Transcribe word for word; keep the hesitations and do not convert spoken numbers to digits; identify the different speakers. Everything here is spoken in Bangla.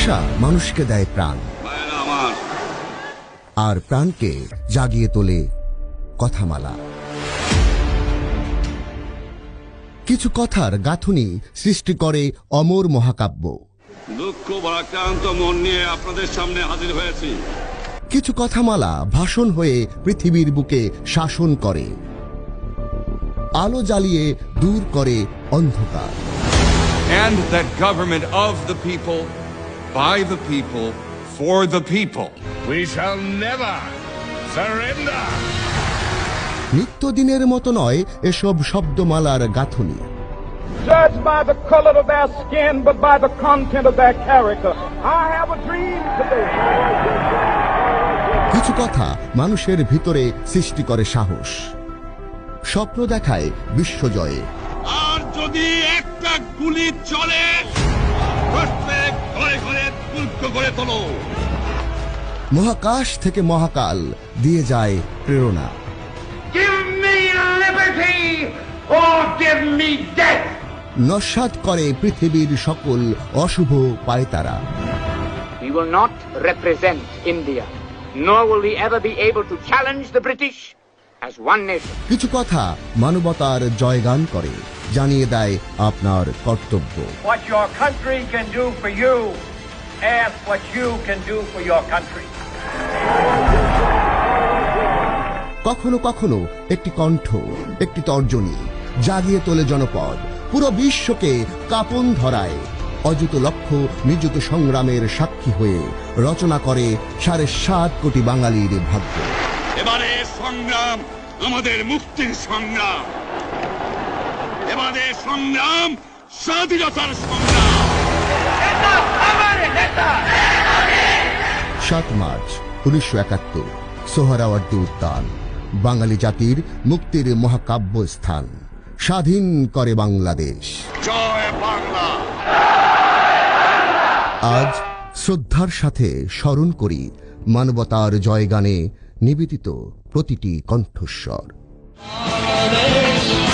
Speaker 1: ভাষা মানুষকে দেয় প্রাণ, আর প্রাণকে জাগিয়ে তোলে কথামালা। কিছু কথার গাঁথুনি সৃষ্টি করে অমর মহাকাব্য।
Speaker 2: দুঃখ ভারাক্রান্ত মন নিয়ে আপনাদের সামনে হাজির হয়েছি।
Speaker 1: কিছু কথামালা ভাষণ হয়ে পৃথিবীর বুকে শাসন করে, আলো জ্বালিয়ে দূর করে অন্ধকার।
Speaker 3: And that government of the people, by the people, for the people.
Speaker 4: We shall never surrender.
Speaker 1: নিত্যদিনের মতো নয় এসব শব্দমালার গাঁথুনি।
Speaker 5: Judged by the color of their skin, but by the content of their character. I have a dream today.
Speaker 1: কিছু কথা মানুষের ভিতরে সৃষ্টি করে সাহস, স্বপ্ন দেখায় বিশ্বজয়ে।
Speaker 2: আর যদি একটা গুলি চলে, প্রত্যেক ঘরে ঘরে দুর্গ গড়ে তোলো।
Speaker 1: মহাকাশ থেকে মহাকাল দিয়ে যায় প্রেরণা।
Speaker 5: Give me liberty or give me death.
Speaker 1: নস্যাৎ করে পৃথিবীর সকল অশুভ পায়তারা।
Speaker 6: We will not represent India, nor will we ever be able to challenge the British as one nation.
Speaker 1: কিছু কথা মানবতার জয়গান করে, জানিয়ে দেয় আপনার কর্তব্য।
Speaker 5: What your country can do for you, ask what you can do for your country.
Speaker 1: কখনো কখনো একটি কণ্ঠ, একটি তর্জনী জাগিয়ে তোলে জনপদ, পুরো বিশ্বকে কাঁপন ধরায়। অযুত লক্ষ্য নিযুত সংগ্রামের সাক্ষী হয়ে রচনা করে সাড়ে সাত কোটি বাঙালির ভাগ্য।
Speaker 2: এবারে সংগ্রাম আমাদের মুক্তির সংগ্রাম, এবারে সংগ্রাম স্বাধীনতার সংগ্রাম।
Speaker 1: সাত মার্চ উনিশশো একাত্তর, সোহরাওয়ার্দী উদ্যান, বাঙালি জাতির মুক্তির মহাকাব্য স্থান। স্বাধীন করে বাংলাদেশ।
Speaker 2: জয় বাংলা।
Speaker 1: আজ শ্রদ্ধার সাথে স্মরণ করি মানবতার জয়গানে নিবেদিত প্রতিটি কণ্ঠস্বর।